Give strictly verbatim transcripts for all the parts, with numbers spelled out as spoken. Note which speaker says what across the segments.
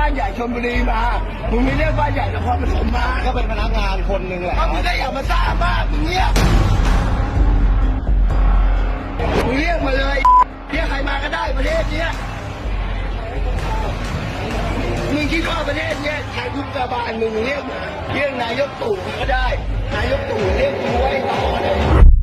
Speaker 1: านใหญ่ชลบุรีมามึงไม่เรียกบ้านใหญ่นครปฐมมา
Speaker 2: ก็เป็นพนักงานคนหนึ่งแหละ
Speaker 1: มึงก็อย่ามาซ่ามากมึงเงียบมึงเรียกมาเลยเรียกใครมาก็ได้ประเทศเนี้ยมึงคิดว่าประเทศเนี้ยใครคุกกาบาลมึงเรียกเรียกนายกตู่ก็ได้นายกตู่เรียกกูไว้ต่อเลย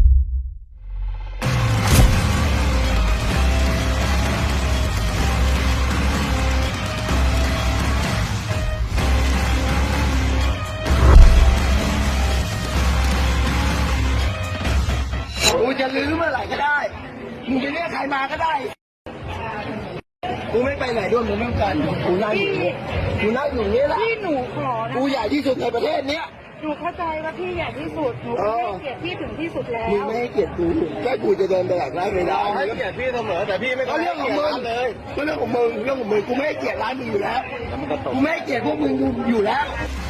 Speaker 1: กูจะลื้อเมื่อไหร่ก็ได้มึงจะเรียกใครมาก็ได้กูไม่ไปไหนด้วยมึงไม่ต้องการกูนั่งอยู่นี่กูนั่งอยู่นี่แหละ
Speaker 3: พี่หนูขอนะ
Speaker 1: กูใหญ่ที่สุดในประเทศเนี้ย
Speaker 3: หนูเข้าใจว่าพี่ใหญ่ที่สุดหนูให้เกียรติพี่ถึงที่สุดแล้ว
Speaker 1: มึงไม่ให้เกียรติกูแค่กูจะเดินไปหลังร้านไม่ได้
Speaker 2: ให้เกียรติพี่เสมอแต่พี่ไม่
Speaker 1: ก็เรื่องของมึงเลยก็เรื่องของมึงเรื่องของมึงกูไม่ให้เกียรติร้านมึงอยู่แล้วกูไม่ให้เกียรติพวกมึงอยู่แล้ว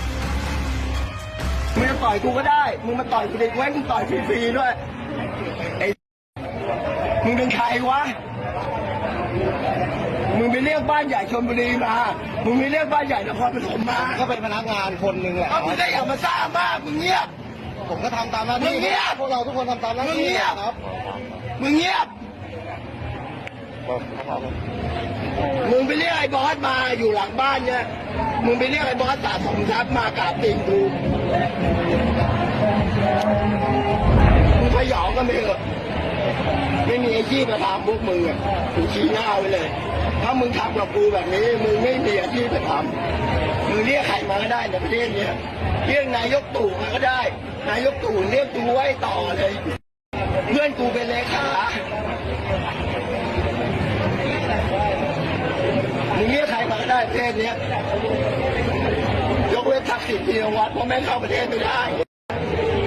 Speaker 1: มึงจะต่อยกูก็ได้มึงมาต่อยกูเด็กไว้กูต่อยฟรีๆด้วยไอ้มึงเป็นใครวะมึงไปเรียกบ้านใหญ่ชลบุรีมามึงไปเรียกบ้านใหญ่นครปฐมมา
Speaker 2: ก็เป็นพนักงานคนหนึ่งแหละ
Speaker 1: มึงก็อย่ามาซ่ามากมึงเงียบ
Speaker 2: ผมก็ทำตามหน้าที่พวกเราทุกคนทำตามหน้าที่ครับ
Speaker 1: มึงเงียบมึงไปเรียกไอ้บอสมาอยู่หลังบ้านเนี่ยมึงไปเรียกไอ้บอสสะสมทรัพย์มากราบตีนกูมึงพยองกันไปเถอะไม่มีอาชีพมาทำพวกมึงอ่ะกูชี้หน้าไว้เลยถ้ามึงทำกับกูแบบนี้มึงไม่มีอาชีพมาทำมึงเรียกใครมาก็ได้ในประเทศนี้เรียกนายกตู่มาก็ได้นายกตู่เรียกกูไว้ต่อเลยเพื่อนกูเป็นเลขามึงเรียกใครมาก็ได้ประเทศนี้ยกเว้นทักษิณชินวัตรเพราะแม่งเข้าประเทศไม่ได้